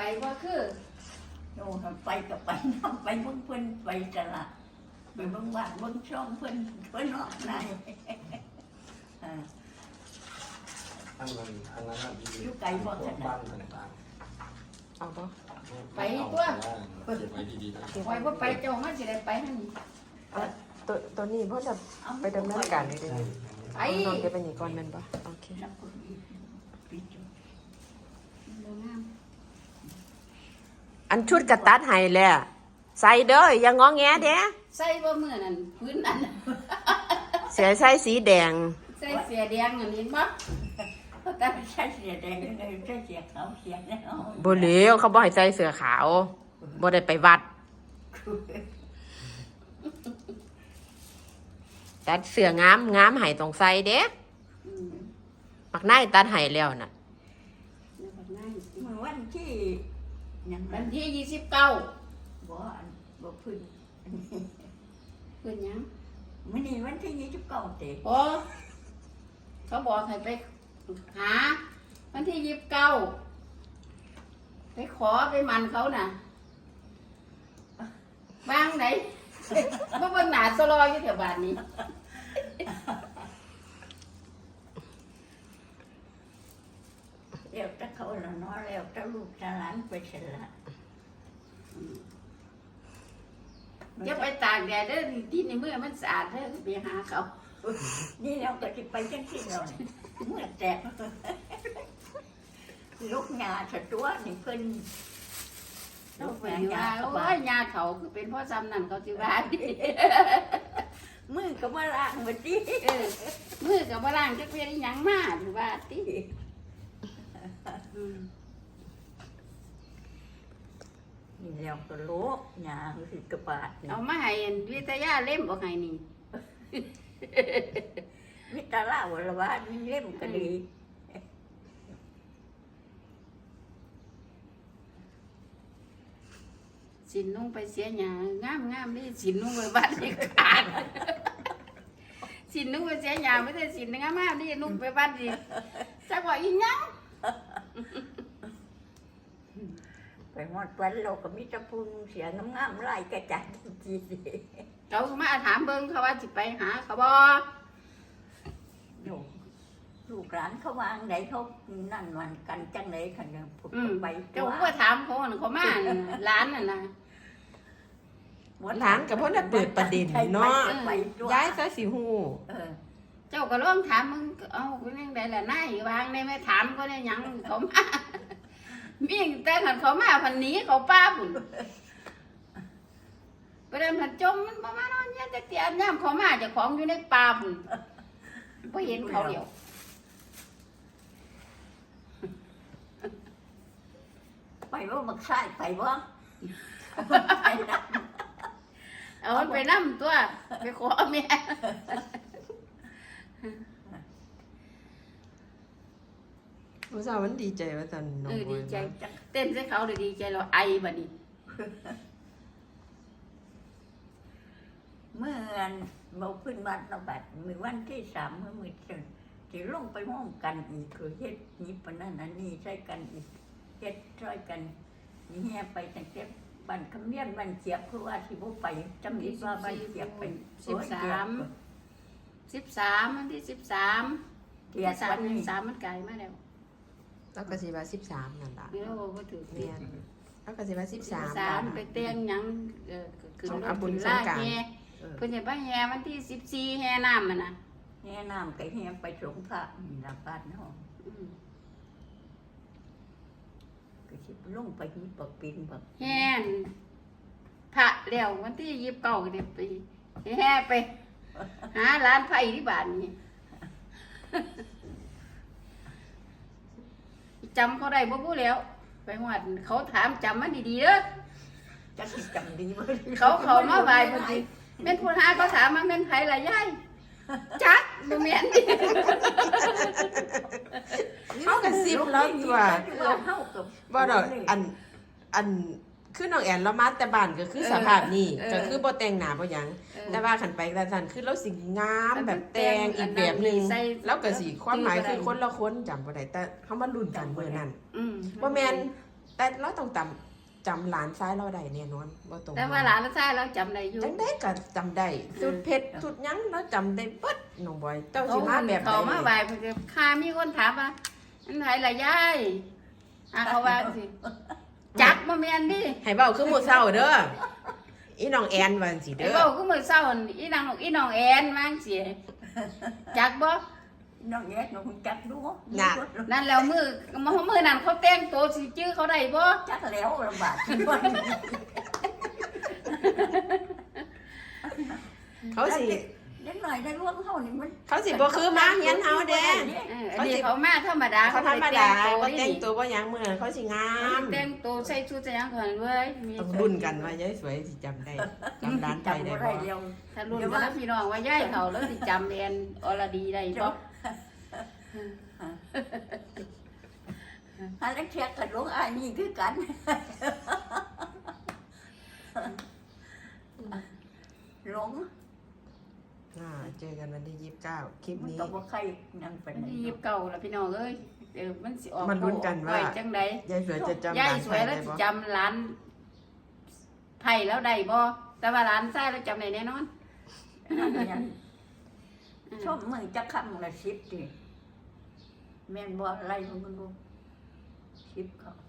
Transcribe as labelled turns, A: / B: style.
A: ว่าคือ
B: โน่นไปกับไปน้ำไปเบิ่งเพิ่นไปตลาดไปเบิ่งบ้านเบิ่งช่องเพิ่นเนาะนาย
C: ทางนั้น
B: อยู่ไกลบ่ขนาด
C: บ้านต่าง
D: เอาปะ
C: ๆ
A: ไปตัว
C: เก็บไว้ดีๆนะ
A: ไว้ว่าไปเจ้ามันสิได้ไปหั่น
D: ตัวนี้เพราะจะไปดำเนินการเลยดิ
A: ไป
D: นอนเก็บไปนี่ก่อนแมันปะโอเค
B: น้ำคนอีกปิดอยู่
A: บ่งาม
D: อันชุดกระตัดให้แหละใส่เด้ออย่างงอแงเด้
A: ใส่บ่มื้อนั้นพื้นนั้น
D: เสียใส่สีแดง
A: ใส่เสียแดงอันนี้บ่
B: แต่ใช้เสียแดงเลยใช้เสียขาวเสียแล้ว
D: บ่เหลวเขาบ่ให้ใส่เสื้อขาวบ่ได้ไปวัดตัดเสื้องามให้ต้องใส่เด้
A: อืม
D: ปักนายตัดให้แล้วน่ะ
A: เดี๋ยวก่อนนะ
B: เมื่อวันที่ยัง
A: วันที่29
B: บ่บ่พึ่ง
A: เพิ่นหยัง
B: มื้อนี้วันที่29เตะ
A: บ่เขาบอกให้ไปหาวันที่29ไปขอไปมันเขาน่ะบางไหน บ่เบิ่งหน้าซะลอยอยู่แถวบ้านนี้
B: แล้วแต่เขาละเนาะแล้วแต่ลูกหลานไปเสร็จละ
A: อย่าไปตากแดดเด้อที่ในเมื่อมันสะอาดเด้อไปหาเขา
B: นี่เราก็สิไปจังซี่แล้วนี่เมื่อแตกลูกหญ้าสะตัวนี่เพิ่น
A: เราไปว่าโอ้ยยาเขาคือเป็นพ่อซ้ำนั่นเขาสิว่าดิ
B: มือก็มาล้างบัดนี้
A: มือกับบ่ล้างจักเพียงหยังมาหรือว่าติอืม
B: นี่แล้วก็โลกหญ้าคือกระบาดนี่
A: เอามาให้อันวิทยาเล่มบ่ให้นี่
B: มิตรลาวละว่ามีเล่มก็ดี
A: สินนุ่งไปเสียหยางามนี่สินนุ่งไปบ้านนี่ขาด สินนุ่งไปเสียหยาไม่ได้สินงามๆนี่นุ่งไปบ้านนี่จักว่าอีหยัง
B: ไปหมดวันเราก็มีแต่พูนเสียงามๆไล่กระจัดจี
A: เขามาถามเบิ่งเขาว่าสิไปหาเขาบ่
B: ลูกหลานเขาวางไหนเขานั่นวันกันจังไหนขันยังพูดไป
A: เจ้าก็ถามเขาว่าเขามาน่ะร้านน่ะนะ
D: หลานกับพ่อน่ะเปิดประเด็นเนาะ ย้ายซะสิฮู้
A: เจ้าก็ลองถามมึงเอาเป็นยังไงล่ะนายวางได้ไหมถามก็ได้หยังเขามามีแต่ขันเขามาพันหนี้เขาป้าบุญประเด็นผันจมมันประมาณนั้นเนี่ยแต่เตียนย่ำเขามาเจะของอยู่ในป่าบุญพอเห็นเขาเดียว
B: ไปว่ามักใส่ไปว่า
A: เอามันไปนั่ตัวไปขอแม่
D: ผู้สาวมันดีใจว่าจันน้องบัว
A: ดีใจเต้นใส่เขาเลยดีใจเราไอบัดนี้
B: เมื่อเราขึ้นวัดเราบัดมือวันที่3มือจะลงไปห้องกันอีกคือเฮ็ดนี้ปนั่นอันนี้ใช้กันอีกเฮ็ดช่วยกันนี่แห่ไปตั้งแต่บ้านคำเนียนบ้านเจียบคือว่าที่บ่ไปจำนิดว่าบ้านเจียบไป
A: 13วันที่13
B: เทีย
A: สา
B: วั
A: ม
B: นนี้
A: 13มันไกลมาแล้ว
D: แล้วก็สิว่า13นั่นล่ะ
A: ไม่รู้ว่าถือ
D: แม่นแล้วก็สิว่า13
A: 13ไปเตียงหยังขึ้นรถ
D: บุญ
A: ขึ้น
D: ส
A: ลาง
D: กรานต์
A: แห่เพิ่นจะไปแห่วันที่14แห่น้ำมันน่ะ
B: แห่น้ำก็แห่ไปสงพระนี่ละบ้านเนาะ
A: อืม
B: ก็สิลงไปหีปักปินบัก
A: แห่นพระแล้ววันที่29ก็ได้ไปแห่ไปหาร้านไผ่ที่บ้านนี่ จำเขาได้บ่พูดแล้ว ไปหวัดเขาถามจำมันดีๆเด้อ
B: จะสิจำดีบ่
A: เขามาไหว้เพิ่นสิแม่นผู้หาเขาถามมาแม่นไผล่ะยายจักบ่แม่นดิ
D: เฮาก็ซิบแล้วตัว
B: เฮากับ
D: บ่ดอกอันคือน้องแอนเรามาแต่บ้านก็คือสภาพนี้ก็คือบ่แต่งหน้าบ่หยังแต่ว่าคันไปกระทันคือเราสิงามแบบแต่งอีกแบบนึงแล้วก็สิความหมายคือคนละคนจำบ่ได้แต่เฮามาลุ้นกันมื้อนั้น
A: อืม
D: บ่แม่นแต่เราต้องจำหลานซ้ายเราได้แน่นอนบ่ตรง
A: แต่ว่าหลานเราใช่เราจำได้อยู่
D: จังได้ก็จำได้สุดเผ็ดสุดหยังเราจำได้เบิดน้องบอยเจ้าสิมาแบบใด
A: เขามาบ่ายเพิ่นก็ค่ามีคนถามว่าอันไหนล่ะยายเขาว่าสิจักบ่แม่นดิ
D: ให้เว้าคือหมู่เฒ่าเด้ออีน้องแอนว่าจังซี่
A: ไอ้
D: เด้อ
A: เว้าคือมื้อเช้าอีนางแอนว่าจังซี่จักบ่
B: น้องแยกน้องจักดู
A: นั่นแล้วมือนั้นเขาแต่งตัวสิจื้อเขาได้บ่
B: จักแล้วลำบากที่ว่า
D: เขาสิ
B: เด็กหน่อยได้ร่วงเฮานี่มัน
D: เขาสิบ่คือมาเฮียนเฮาเด้
A: อันนี้เขามาธรรมดา
D: เขาธรรมดาบ่
A: เขา
D: แต่งตัวบ่หยังมื้อนั้นเขาสิงาม
A: แต่งตัวใส่ชุดใส่หยังก่อนเว้ยมี
D: ต้องรุ่นกันว่ายายสวยสิจำได้จำร้านไป
B: จำ
D: ได้
B: บ่
D: บ่
B: ได้เดียว
A: ถ้ารุ่นกันแล้วพี่น้องว่าย่ายเขาแล้วสิจำแอนอรดีได้บ่
B: อันนั้นเทียบกับหลวงอ้ายนี่คือกันหลง
D: เจอกันวันที่29คลิป
B: มัน
D: นี้
B: ก็บ่ใครนั่งเป็น
A: มันสิเก่าแล้วพี่น้องเอ้ยมันสิออก
D: มันลุ้นกันว่า
A: ไจังได๋
D: ยายสวยจะจำ
A: ย่าย
D: ร้าน
A: ส
D: ไป
A: วยแล้
D: ได้
A: วสิ
D: บ่
A: จำร้านไผ่แล้วได้บ่แต่ว่าร้านซ้ายแล้วจำได้แน่นอน
B: ชอบมึงจะคำละ10ดิแม่นบ่อะไรมึงดู10เขา